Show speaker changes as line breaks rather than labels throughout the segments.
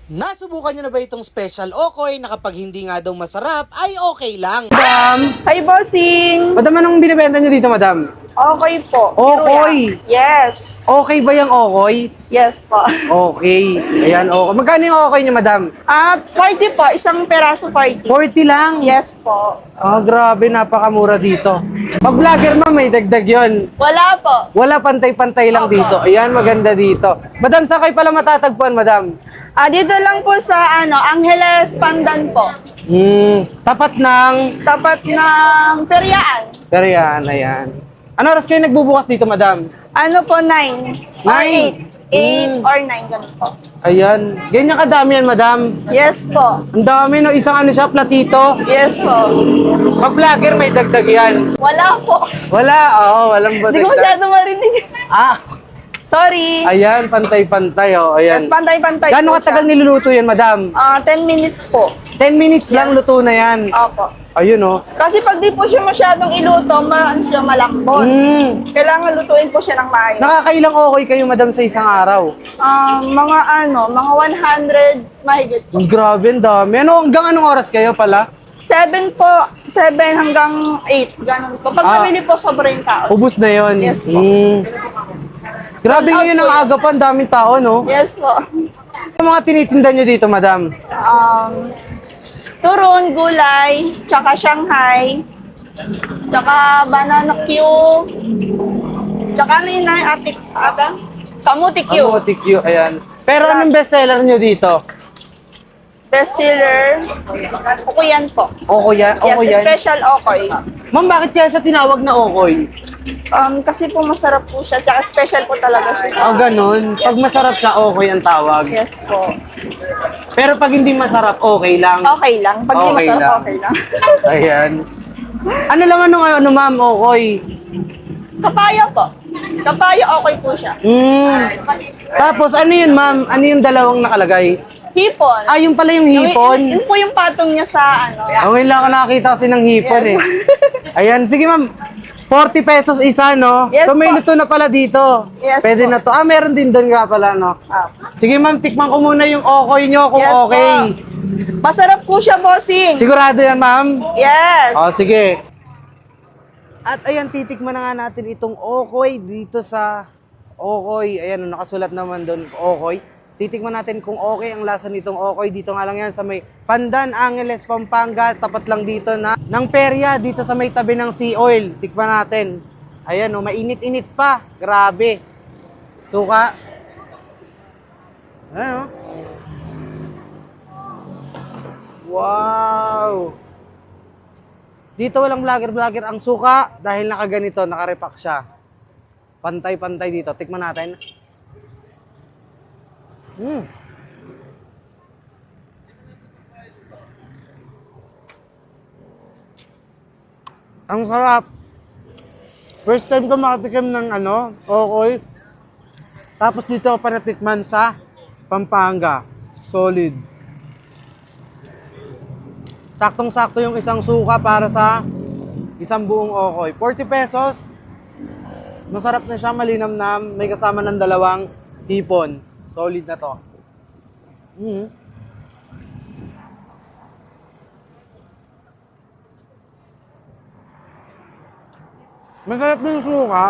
Nasubukan nyo na ba itong special okoy na kapag hindi nga daw masarap ay okay lang?
Madam,
Hi, bossing!
madam, anong binibenta nyo dito, madam?
Okay po.
Okoy.
Piruya. Yes.
Okay ba yung okoy?
Yes po.
Okay. Ayan, okay. Magkano yung okoy nyo, madam?
40 po. Isang peraso 40.
40 lang?
Yes po.
Ah, grabe, napakamura dito. Pag vlogger, ma'am, may dagdag yon.
Wala po.
Wala, pantay-pantay lang
Opo.
dito. Ayan, maganda dito. Madam, saan kayo pala matatagpuan, madam?
Dito lang po sa Angeles Pandan po.
Tapat ng...
Tapat ng Periaan.
Pero yan, ayan. Ano oras kayo nagbubukas dito, madam?
Ano po, 9 or 8. 8 or 9, ganun po.
Ayan. Ganyan kadami yan, madam.
Yes po.
Ang dami, no? Isang ano siya, platito.
Yes po.
Pag vlogger, may dagdag yan.
Wala po.
Wala, oo, walang
Hindi ko
dagdag.
masyado marinig.
Ah,
Sorry.
ayan, pantay-pantay, oh, ayan.
Yes, pantay-pantay
Gano'ng
po
katagal
siya.
niluluto yan, madam?
10 minutes po.
10 minutes lang,
Yes.
luto na yan.
Opo.
Ayun, oh.
Kasi pag di po siya masyadong iluto, siya malambot. Kailangan lutuin po siya ng maayos.
Nakakailang okay kayo, madam, sa isang araw?
Mga 100 mahigit po.
Grabe, ang dami. Ano, hanggang anong oras kayo pala?
7 po. 7 hanggang 8. Ganun po. Pag namili po, sobra yung tao.
Ubus na yon.
Yes po.
Grabe
Sold out
ngayon
po
ang
yun.
aga pa, ang daming tao, no?
Yes po.
Ano mga tinitinda nyo dito, madam?
Turon, gulay, tsaka Shanghai, tsaka banana Q, tsaka ano yun na kamuti Q.
Ano, TQ, ayan. Pero anong bestseller nyo dito?
Bestseller, Okuyan po.
Okoy yan?
Yes,
Okoy yan?
special Okoy.
Ma'am, bakit kaya siya tinawag na okoy?
Kasi po masarap po siya, tsaka special po talaga siya.
Ah, ganun. Pag masarap siya, okoy ang tawag.
Yes po.
Pero pag hindi masarap, okay lang.
Okay lang. Pag di
Okay
masarap,
lang.
okay lang.
Ayan. Ano laman nung ano, ma'am, okoy?
Kapayo po. Kapayo okay po siya.
Tapos, ano yun, ma'am? Ano yung dalawang nakalagay?
Hipon.
Ah, yung pala yung hipon.
Yun po yung patong niya sa
Okay lang ako nakakita kasi ng hipon eh. Ayan, sige ma'am. 40 pesos isa, no?
Yes
so may
po.
luto na pala dito.
Yes
Pwede
po.
na to. Ah, meron din doon nga pala, no? Sige ma'am, tikman ko muna yung okoy nyo kung
Yes po.
okay.
Masarap po siya, bossing.
Sigurado yan, ma'am?
Yes.
Oh, sige. At ayan, titikman na nga natin itong okoy dito sa okoy. Ayan, nakasulat naman doon, okoy. Titikman natin kung okay ang lasa nitong okoy. Dito nga lang yan sa may Pandan, Angeles, Pampanga. Tapat lang dito ng perya, dito sa may tabi ng Sea Oil. Tikman natin. Ayan, oh, mainit-init pa. Grabe. Suka. Ayan, oh. Wow! Dito walang vlogger ang suka dahil nakaganito, nakarepack siya. Pantay-pantay dito. Tikman natin. Ang sarap. First time ko makatikim ng okoy. Tapos dito ako pa natikman sa Pampanga. Solid. Saktong-sakto yung isang suka para sa isang buong okoy. 40 pesos. Masarap na siya, malinamnam. May kasama ng dalawang hipon. Solid na to. Masarap din yung suka.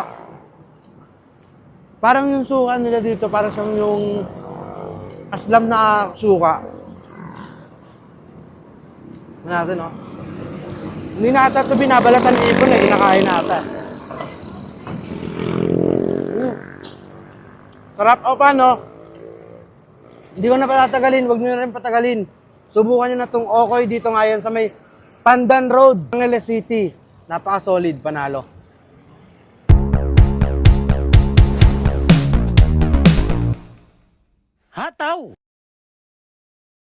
Parang yung suka nila dito, parang siyang yung aslam na suka. Ano natin, oh. Hindi na ata ito binabalatan ng ipon eh, kinakain na ata. Sarap o paano? Hindi ko na patatagalin, wag nyo na rin patagalin. Subukan nyo na itong okoy dito ngayon sa may Pandan Road, Angeles City. Napaka-solid, panalo.
Hataw!